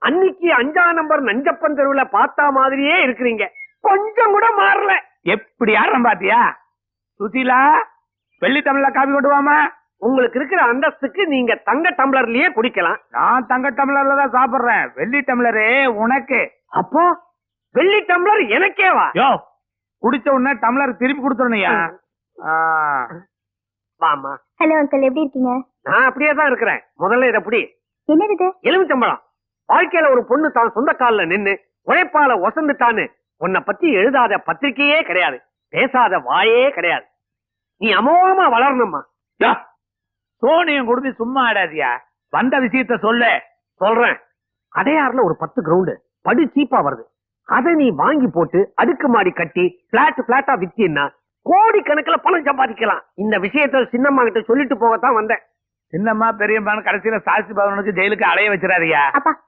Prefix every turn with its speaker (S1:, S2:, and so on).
S1: அன்னைக்கு 5ஆம் நம்பர் நஞ்சப்பன் தெருவுல பார்த்தா மாதிரியே இருக்கிறீங்க. கொஞ்சம் கூட மாறல.
S2: எப்படி யாரும் பாத்தியா? சுசீலா, வெள்ளி தமிழ்ல காபி கொண்டு வாமா.
S1: உங்களுக்கு இருக்கிற அந்தஸ்துக்கு நீங்க தங்க டம்ளர்லயே குடிக்கலாம்.
S2: நான் தங்க டம்ளர்ல தான் சாப்பிடுறேன். வெள்ளி டம்ளரு உனக்கு.
S1: அப்போ வெள்ளி டம்ளர் எனக்கேவா?
S2: யோ, குடிச்ச உடனே டம்ளர் திருப்பி கொடுத்துடணையா?
S1: வாமா.
S3: ஹலோ அங்கிள், எப்படி இருக்கீங்க?
S1: நான் அப்படியே தான் இருக்கிறேன். முதல்ல இத புடி.
S3: என்னது இது?
S1: எலுமிச்சம்பழம். வாழ்க்கையில ஒரு பொண்ணு தான் சொந்த கால்ல நின்னு உழைப்பால ஒசந்துட்டான்னு உன்னை பத்தி எழுதாத பத்திரிக்கையே கிடையாது, பேசாத வாயே கிடையாது. நீ அமோகமா வளரணும்மா.
S2: சோனியம் கொடுத்து சும்மா ஆடாதியா. வந்த விஷயத்த சொல்லு.
S1: சொல்றேன். அடையாறுல ஒரு 10 கிரவுண்ட் படு சீப்பா வருது. அதை நீ வாங்கி போட்டு அடுக்கு மாடி கட்டி பிளாட்டா வித்தீன்னா கோடி கணக்குல பணம் சம்பாதிக்கலாம். இந்த விஷயத்த சின்னம்மா கிட்ட சொல்லிட்டு போகத்தான் வந்தேன்.
S2: சின்னம்மா பெரியம்மான்னு கடைசியில சாட்சி பவனுக்கு ஜெயிலுக்கு அலைய வச்சிடாதியா.
S3: அப்பா